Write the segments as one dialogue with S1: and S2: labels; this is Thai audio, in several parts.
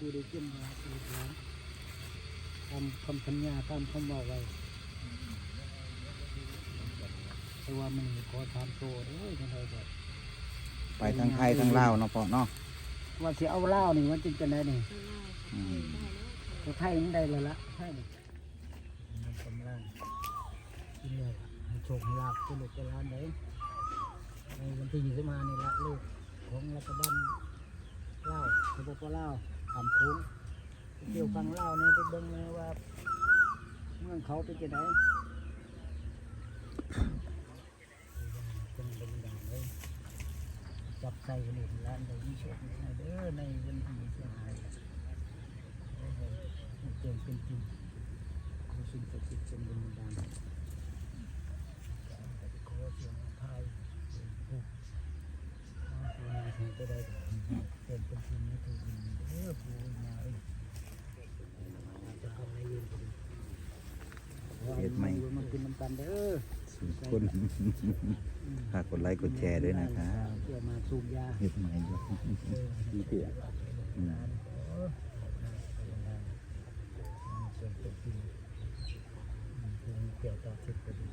S1: ปูได้กินมาปูแล้วทำคำสัญญาตามคำบอกไว้แต่ว่ามันขอทำโตด้วยทั้งไทยแบบ
S2: ไปทั้งไทยทั้งลาวเนาะพ่อเนาะ
S1: ว่าสิเอาเล่านี่มันจึงจะได้นี่ก็ไทยมันได้เลยละไทยนี่มันกำลังกินเลยให้โชคให้ลาบกินลูกกินหลานเลยในวันที่25นี่ละลูกของรัฐบาลลาวสปปลาวทำคุ้งเกี่ยวกับลาวเนี่ยไปเบิ่งเลยว่าเมืองเขาเป็นจะไหนเป็นบรรดาเลยจับใส่กันเลยร้านใดมีโชคในเด้อในวันที่25เจนเป็นจริงขอสิ่งศักดิ์สิทธิ์เป็นบรรดาขอเสียงไทยผู้ที่จะได้เป็นจริงนี่คือเด้อผู้ยาจะทำในยืนกัน
S2: เฮ็ดใหม่
S1: มันกินน้ำกันเด้อ
S2: สุดคนฝากกดไลค์กดแชร์ด้วยนะครับ
S1: เพื่อมาสูบยา
S2: เฮ็ดใหม่ด้วยมีเตี้ย
S1: เกี่ยวกับสิทธิ์ก็ดี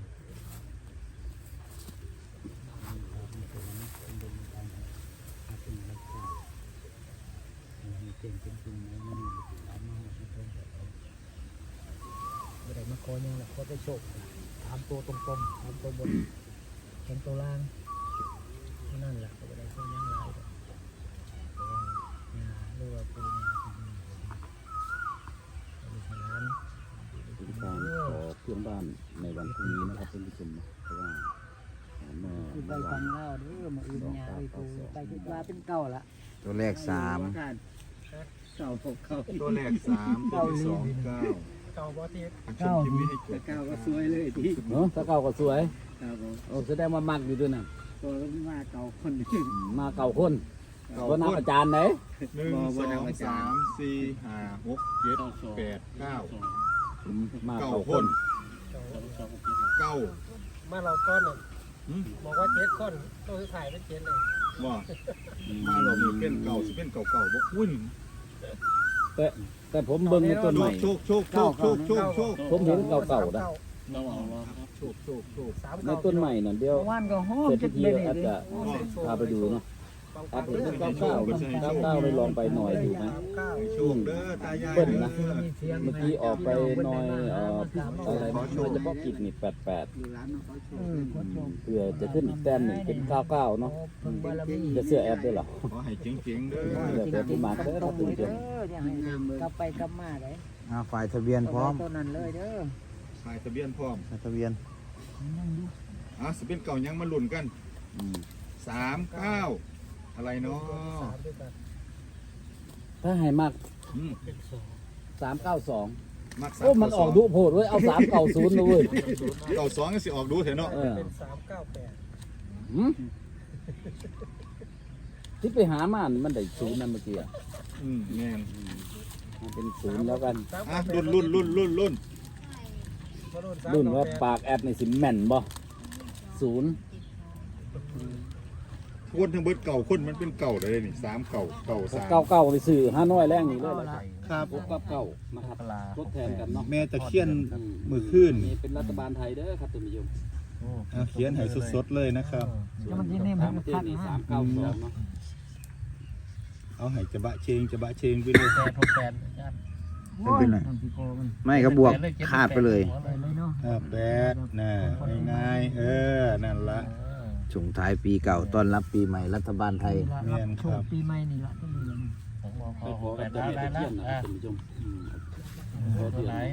S1: ไม่ได้มาคอยยังหรอกเขาได้โชคถามตัวตรงๆถามตัวบนเห็นตัวล่างนั่นแหละก็ไม่ได้คอยยังหลายแต่ว่าเรือว่าปูนาที่นี่ร้าน
S3: เป็นการขอเพื่อนบ้านในวันพรุ่งนี้นะครับท่านผู้ชมเพราะว่าเมื่อ
S1: คือไป
S3: เมื่อวา
S1: ฟั
S3: น
S1: งเล่าเด้อมาอื่นยาไปปูไปคิดว่าเป็นเก่าละ
S2: ตัวแรก3
S1: เก่าพบเขา
S4: ตัวแรก3ตัวที่2 9
S1: เก่าบ่ที่
S4: ชมคลิปนี้ให้จบ
S1: เก่าก็สวยเลยที่
S3: เนาะถ้าเก่าก็สวย
S1: ครับผม
S3: โอ้แสดงว่ามักอยู่ด้วยนะ
S1: ตัวก็มาเก่าคนนึง
S3: มาเก่าคนตัวนักอาจารย์ไหน
S4: 1 2 3 4 5 6 7 8 9
S3: มา
S4: เก้า
S3: เก่า
S4: ค
S3: คน น
S4: เก้า
S1: มาเราก้อนน่ะ
S4: หืม
S1: บอกว่า7คนตัวสุดท้ายเป็น7เลย
S4: ว่ามาเรามีเป็นเก่าสิเป็นเก่าบ่คุ้น
S3: แต่ผมเบิ่งในต้นใหม่
S4: โชคโชคโชคโชคโชคโชค
S3: ผมเห็นเก่าๆนะ
S4: โชคโชคโชค
S3: ในต้นใหม่น่ะเดียว
S1: ว่านก็หอม
S3: เสร็จ
S1: จะ
S3: ที
S1: เลย
S3: อาจจะพาไปดูเนาะอาจจะเป็น99ไปลองไปหน่อยดูไหม
S4: ให้โชคเด้อตายาย
S3: เบิ้ล
S4: เด้
S3: นะ
S4: อ
S3: เมื่อกี้ออกไปหน่อยอะไรนะโดยเฉพาะกิจนี่88เพื่อจะขึ้นอีกแต้มหนึ่งเป็น99เนาะจะเสื้อแอปด้วยเหรอ
S4: ขอให้เจ๋งๆเด้อ
S3: เดี๋ยวไปที่มาเด้อครับคุณผู้ชม
S1: กลับไปกลับมาเลย
S2: ฝ่ายทะเบียนพร้อม
S1: ตัวนั้นเลยเด้อ
S4: ถ่ายทะเบียนพร้อม
S2: ฝ่ายทะเบียน
S4: สิเป็นเก่ายังมาลุ้นกัน
S3: อืม
S4: 39อะไรเนาะ
S3: ถ้าให้มาก
S4: อืม
S3: 392
S4: มัก
S3: โอ้มันออกดุโพดเว้ยเอา390เลยเว้ย
S4: เก่า2ก็สิออกดูเถอะเนาะ
S3: เออ
S1: เป็น398
S3: หืมที่ไปหามานี่มันได้ศูนย์นั่นเมื่อกี้อะ
S4: แม่น
S3: มันเป็นศูนย์แล้วกัน
S4: รุ่น
S3: รุ่นว่าปากแอดในสิแม่นบ่ศูนย์
S4: คนทั้งเบิดเก่าคนมันเป็นเก่าเลยนี่3เก่า3
S3: เก้าในสื่อห้าน้อยแรงนี่เลย
S4: ครับ
S3: พบกับเก้านะครับทดแทนกันเนาะ
S4: แม่ตะเคียนมือขึ้น
S3: นี่เป็นรัฐบาลไทยเด้อครับท่านผู้ชม
S4: เขียนให้สดๆเลยนะครับ
S3: ส่วนต่างประเทศนี่392เนาะ
S4: เอาให้จะบะเชงไปเลย
S2: ไม่เป็นไรไม่ก็บวกขาดไปเลย
S4: แปดน่ะง่ายๆนั่นละ
S2: ส่งท้ายปีเก่าต้อนรับปีใหม่รัฐบาลไทย
S4: แม่นครับ
S1: ปีใหม่นี่ละต้องดีเลย
S3: ไปขอกับเจ้าแม่ตะเคียนนะครับท่านผู้ชมขอเทียน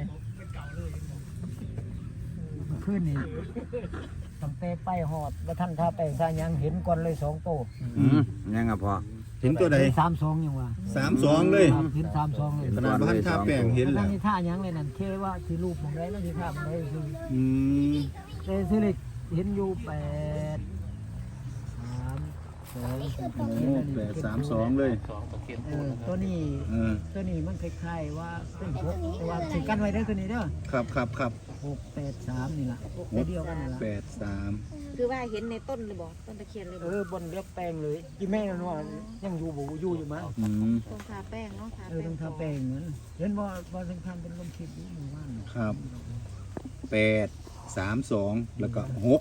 S1: ขึ้นนี่ตั้งแต่ไปหอดว่าท่านท่าแปลงท่ายังเห็นก่อนเลย2โต
S2: ยังอ่ะพอ
S4: เห็นตัวใด
S1: 32ยังว่า
S4: 32เลย
S1: เห็น32เลย
S4: ขนาดบ้านท่าแป้งเห็น
S1: ท่า
S4: แล้ว
S1: นี่ท่ายังเลยนั่นเคว่าที่รูปของได้นั่นที่ท่ามันได้คือ
S4: อืม
S1: แต่สิเลยเห็นอยู่8 3 6 32
S3: โอ้832เลย
S1: ตัวนี้
S3: เออ
S1: ตัวนี้มันคล้ายๆว่าเป็น6แต่ว่าสิกันไว้เด้อตัวนี้เด้อ
S3: ครับ
S1: 683นี่ล่ะตัวเดียวกันนั่นล่ะ
S3: 83
S5: คือว่าเห็นในต้นเลยบอกต้นตะเคียนเลยบ
S1: เอ
S5: อก
S1: อบนเรียบแปลงเลยอีแม่นั่นว่ายังอยู่บ่อยู่อยู่มั้ง
S3: อืม
S5: ต้องทาแป้งเนาะทา
S1: เออ
S5: แป้
S1: ต้อง งทาแปลงนั้นเห็นว่าสำคัญเป็นลมคิดอยู่หมู่บ้าน
S3: ครับ832แล้วก็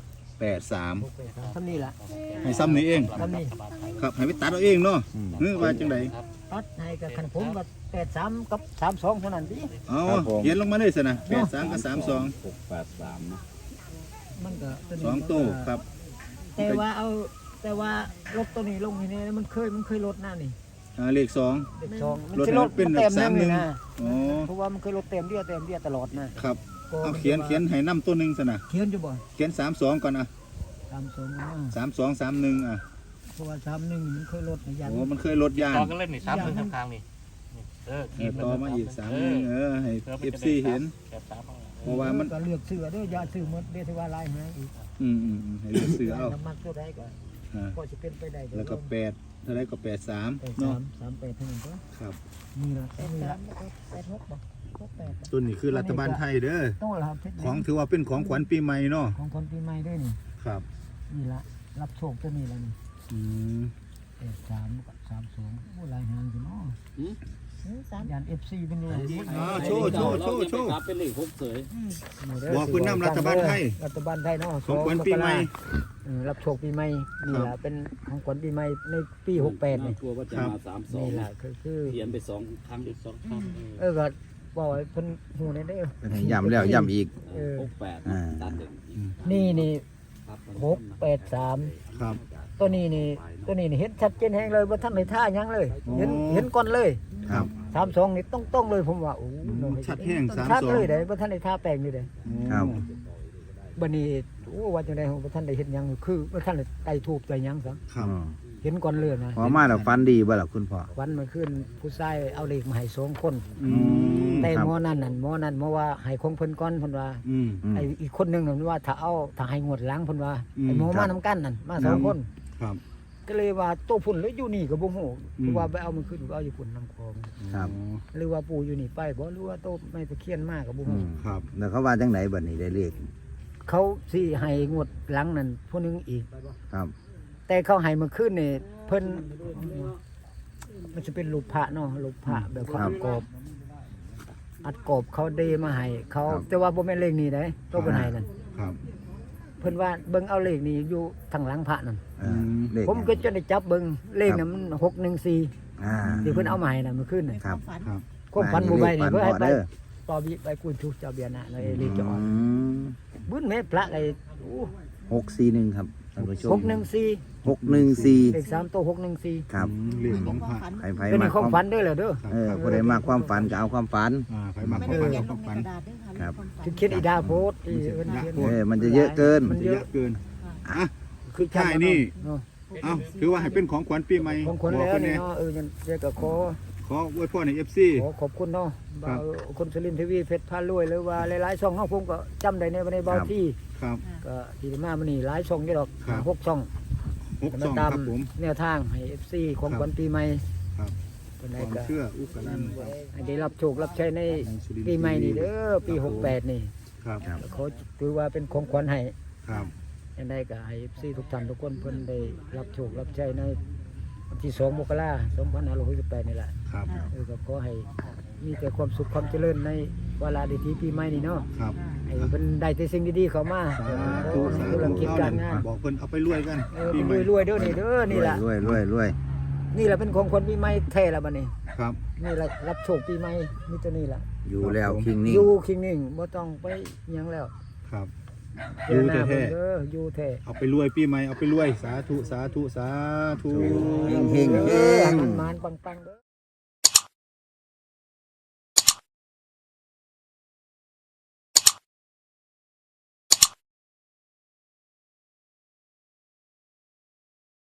S3: 683
S1: ทำนี่ล่ะ
S3: ให้ซ้ำนี้เอง
S1: ทำนี่
S3: ครับให้ไปตัดเอาเองเนาะว่าจังได
S1: ตัดให้กับคันผมก็83กับ32เท่านั้นดิ
S3: เอาเขียนลงมาเลยสินะ83กับ32 683นะ
S1: มันก็ตัวนี้
S3: สองตู้ครับ
S1: แต่ว่ารถตัวนี้ลงนี่มันเคยรถหน้านี่
S3: เลข2
S1: เด็ก2มัน
S3: รถ
S1: สิ
S3: นั้นเป็น
S1: เต็ม
S3: แบบ
S1: นึง
S3: 31
S1: นะ
S3: อ๋อ
S1: เพราะว่ามันเคยรถเต็มเดียวตลอดนะครับ
S3: เอาเขียนให้นำตัวหนึงสินะ
S1: เขียนอยู่บ่
S3: เขียน32ก่อนอ่ะ
S1: 32นะ
S3: 3231อ่ะ
S1: เพราะว่า31มันเคยรถนะยัน
S3: โอ้มันเคยลดยาง
S6: ต่อกันเล่นนี่3 1ข้างๆนี่
S3: ต่อมาอีก31ให้ FC เห็น เพราะว่ามัน
S1: ก็เลือกซื้อเด้ออย่าซื้อหมดเด้อที่ว่าลายหางอีก
S3: ให้เลือกซื้อเอา
S1: น้ำมันตัวใดก็
S3: อ่า
S1: ก็สิเป็นไปได้เด้อ
S3: แล้วก็8เท่าไรก็83เนาะ
S1: 38เท่านั้นก็
S3: ครับ
S1: นี่ล่ะ
S5: 86บอก68
S3: ตัวนี้คือรัฐบาลไทยเด้อ
S1: ต้องล่ะครับ
S3: ของถือว่าเป็นของขวัญปีใหม่เนาะ
S1: ของคนปีใหม่ด้วยนี่
S3: ครับ
S1: นี่ล่ะรับโชคตัวนี้ล่ะนี่
S3: อืม
S1: 83กับ32โอ้ลายหางสิเนาะยัน FC เป็นนี่
S3: โชว์
S7: เป็นเลข6เสย
S3: บอกคุณนำรัฐบาลไทย
S1: รัฐบาลไทยเนาะ
S3: ของขวัญปีใหม่
S1: รับโชคปีใหม่นี่ล่ะเป็นของขวัญปีใหม่ในปี68นี่
S7: กลัวว่าจะมา32
S1: นี่ล่ะคือ
S7: เขียนไป2ครั้งอีก2ครั้ง
S1: ก็บอกให้เพิ่นฮู้ได้เด้อ
S2: ให้ย้ำแล้วย้ำอีก
S7: 68ตัดหนึ่ง
S1: นี่
S7: ครับ
S1: 683
S3: ครับ
S1: ตัวนี้นี่เห็นชัดเจนแฮงเลยบ่ทันได้ท่าหยังเลย
S3: โอ้
S1: เห็นก่อนเลย
S3: ครับ
S1: 32นี่ต้องเลยผมว่าโอ้
S3: ชัดแห้ง
S1: ชัดเลย
S3: 32
S1: เด้บ่ทันได้ท่าแปลงนี่เด้
S2: ครับ
S1: บัดนี้โอ้ว่าจังได๋บ่ทันได้เฮ็ดหยังคือบ่ทันได้ไต่ทูบไต่หยังซะ
S3: ครับ
S1: เห็นก่อนเลยนะ
S2: พอมาแล้วฟันดีบ่ล่ะคุณพ่อ
S1: วันเมื่อคืนผู้ชายเอาเลขมาให้2คน
S3: อืม
S1: แต่
S2: ครับ
S1: หมอนั่นว่าให้ของเพิ่นก่อนเพิ่นว่า
S3: อืม
S1: ไอ้อีกคนหนึงนั่นว่าถ้าให้งวดหลังเพิ่นว่า
S3: อืม
S1: ไอ้หมอ
S2: ครั
S1: มา
S2: บ
S1: นํกันนั่นมาสองคน
S3: ครับ
S1: ก็เลยว่าโตพุ่นแล้วอยู่นี่ก็บ่ฮู้
S3: อืม
S1: เพราะว่าไปเอามันขึ้นเอาอยู่พุ่นนำคลอง
S2: ครับ
S1: หรือว่าปู่อยู่นี่ไปบ่หรือว่าโตไม่ตะเคียนมากก็บ่
S2: อื
S1: ฮู้
S2: ม
S3: ครับ
S2: แล้วเขาว่าจังไหนบัดนี้ได้เลข
S1: เขาสิให้งวดหลังนั่นผู้หนึงอีก
S2: ครับ
S1: แต่เขาให้เมื่อคืนนี่เพิ่นมันจะเป็นรูปพระเนาะรูปพระแบบเขาอัดกรอบอัดกรอบเขาเดมาให้เขาแต่ว่าบ่แม่นเลขนี้เด้โตเพิ่นให้นั่น
S3: ครับ
S1: เพิ่นว่าเบิ่งเอาเลขนี้อยู่ทางหลังพระนั่น
S2: เลข
S1: ผมก็จะได้จับเบิ่งเลขนั้นมัน614
S2: อ่า
S1: ที่เพิ่นเอามาให้น่ะเมื่อคืนน่ะ
S2: ครับ
S5: ฝัน
S3: ครับ
S1: ความฝันบ่ใบนี่เพื่อให้ไป
S2: เด้อ
S1: ต่อบิไปกูชุเจ้าเบียร์น่ะเลยเลขจะออก
S2: อืม
S1: บุญแม่พระไอ้โอ้
S2: 641ครับท่านผู้ชม
S1: 614
S2: 614
S1: เลข3โต614
S2: ครับ
S3: เรื่องของพระ
S2: ไผ
S1: เป็น
S2: มา
S1: ของฝันเด้อเหรอเด้อ
S2: ผู้ใดมาความฝันก็เอาความฝัน
S3: ใครมา
S5: ไม่
S3: ขอ
S5: ได้
S3: ฝัน
S5: เขียน
S3: ข
S5: ล
S3: อง
S5: ใน
S3: ฝัน
S5: กระดาษด้วยค่ะ
S2: ครับ
S1: คือเขียนอีดาโพสต์ที่เอิ้นเขียน
S2: มันจะเยอะเกิน
S1: มัน
S3: จะ
S1: เย
S3: เย
S1: อะ
S3: อะเกิน อ่ะ
S1: คือ
S3: ใช่นี่
S1: เนาะ
S3: เอ้าถือว่าให้เป็นของขวัญปีใหม่
S1: ของคน
S3: บอก
S1: แล้ว
S3: เพิ่น
S1: นี่
S3: แน่
S1: เนาะยันเรียกก็ขอ
S3: ขออวยพรให้ FC
S1: ขอบคุณเนาะ
S3: ครับ
S1: คนสุรินทร์ทีวีเพชรพารวยหรือว่าหลายๆช่องเฮาผมก็จำได้ในเบาที่
S3: ครับ
S1: ก็ที่มามื้อนี้หลายช่องอยู่ดอก
S3: ครับ
S1: 6ช่อง
S3: 6
S1: มา
S3: 2
S1: ตาม
S3: ครับผม
S1: แนวทางให้ FC ของขวัญปีใหม่
S3: ครับ
S1: เพิ่น
S3: ค
S1: ได้
S3: วาม
S1: ก็
S3: เชื่ออุกนันท์
S1: ให้ได้รับโชครับใช้ในปีใหม่นี่เด้อปี68นี่
S3: ครับ
S1: ขอถือว่าเป็นของขวัญให้
S3: ครับ
S1: อันใดก็ให้ FC ทุกท่านทุกคนเพิ่นได้รับโชครับใช้ในวันที่2มกราคม2568นี่แหละ
S3: ครับ
S1: ก็ขอให้มีแต่ความสุขความเจริญในเวลาดีๆปีใหม่นี่เนาะ
S3: ครับ
S1: ให้เพิ่นได้แต่สิ่งดีๆเข้ามา
S3: สาธุสา
S1: ธุ
S3: ธุ
S1: ธุรกิจการงาน
S3: บอกเพิ่นเอาไปรวยกัน
S1: เ
S3: ปีใหม่
S1: รวยๆเด้อนี่เด้อนี่ล่ะ
S2: รวย
S1: นี่แหละเป็นของคนปีใหม่แท้ละบัดนี้
S3: ครับ
S1: นี่แหละรับโชคปีใหม่นี่ตัวนี้ล่ะ
S2: อยู่แล้วคิงนี่
S1: อยู่คิงนิ่งบ่ต้องไปหยังแล้ว
S3: ครับอยู่
S1: เจหน้า
S3: แท้
S1: เด้ออยู่แท้
S3: ๆเอาไปรวยปีใหม่เอาไปรวยสาธุสาธุสาธุ
S2: เฮง
S1: เอ
S2: เฮ
S1: อง มันๆปังๆเด้อ